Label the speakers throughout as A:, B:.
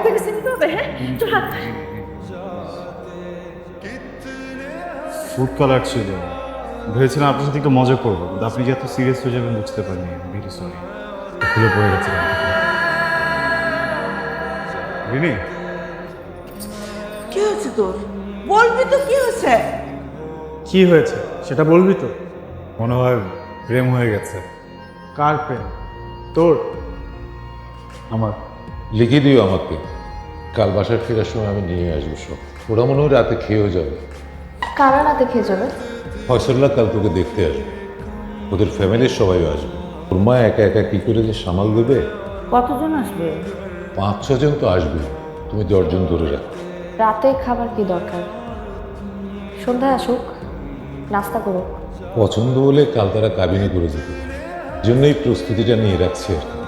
A: থেকে চিনতে হবে। হ্যাঁ, তোর হাত ধর।
B: ফুড কালার ছিল, ভেবেছিলাম আপনার সাথে একটু মজা করবো, কিন্তু আপনি যে এত সিরিয়াস হয়ে যাবেন বুঝতে পারিনি। ভেরি সরি, খুলে পড়ে গেছে। রিনি,
A: কি হয়েছে তোর? বলবি তো কি হয়েছে?
C: কি হয়েছে সেটা বলবি তো?
B: মনে হয় প্রেম হয়ে গেছে
C: কার প্রেম? তোর?
B: আমার।
D: লিখে দিও আমাকে, কাল বাসায় ফেরার সময় আমি নিয়ে আসবো সব। ওরা মনে হয় রাতে খেয়েও যাবে।
E: কারা রাতে খেয়ে যাবে?
D: ফয়সল্লা কাল তোকে দেখতে আসবে, ওদের ফ্যামিলির সবাই আসবে। ওর মা একা একা কি করে যে সামাল দেবে।
A: কতজন আসবে?
D: 5-6 জন তো আসবে, তুমি 10 জন ধরে রাখো।
E: রাতে খাবার কি দরকার? সন্ধ্যায় আসুক, নাস্তা করুক।
D: পছন্দ হলে কাল তারা কাবিনে করে যেতে পারে, জন্যই প্রস্তুতিটা নিয়ে রাখছি আর কি।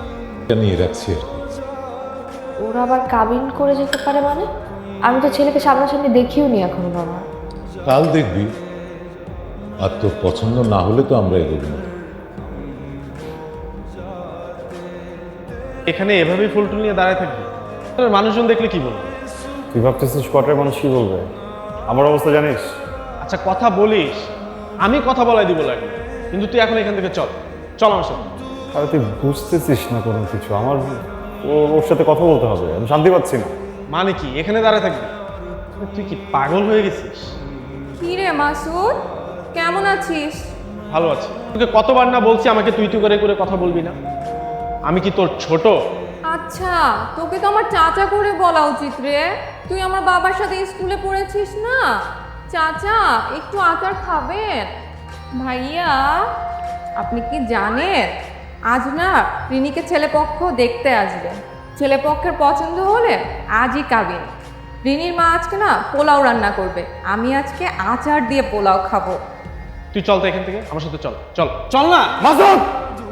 E: ওরা আবার কাবিন করে যেতে পারে মানে? আমি তো ছেলেকে সামনাসামনি দেখিও নি এখনো বাবা।
D: কাল দেখবি, আর তোর পছন্দ না হলে তো আমরা এগোবো না।
C: এখানে এভাবেই ফুলটুল নিয়ে দাঁড়ায় থাকবি? তাহলে মানুষজন দেখলে কি বলবে?
B: তুই ভাবতেছিস কোয়ার্টার মানুষ কি বলবে? আমার অবস্থা জানিস।
C: আচ্ছা কথা বলিস, আমি কথা বলাই দিব লাগবে, কিন্তু তুই এখন এখান থেকে চল, চল আমার সাথে।
B: আরে তুই বুঝতেছিস না কোনো কিছু। আমার ওর সাথে কথা বলতে হবে, আমি শান্তি পাচ্ছি না।
C: মানে কি এখানে দাঁড়ায় থাকবি? তুই কি পাগল হয়ে গেছিস?
F: কি রে মাসুদ, কেমন আছিস?
C: ভালো আছি। তোকে কতবার না বলছি আমাকে তুই তুই করে করে কথা বলবি না? আমি কি তোর ছোট?
F: আচ্ছা, তোকে তো আমার চাচা করে বলা উচিত রে। তুই আমার বাবার সাথে স্কুলে পড়েছিস না? চাচা, একটু আচার খাবেন? ভাইয়া, আপনি কি জানেন আজ না রিনিকে ছেলেপক্ষ দেখতে আসবে। ছেলেপক্ষের পছন্দ হলে আজই কাবিন। রিনির মা আজকে না পোলাও রান্না করবে, আমি আজকে আচার দিয়ে পোলাও খাবো।
C: তুই চল তো এখান থেকে, আমার সাথে চল, চল চল না।
B: মাসুদ!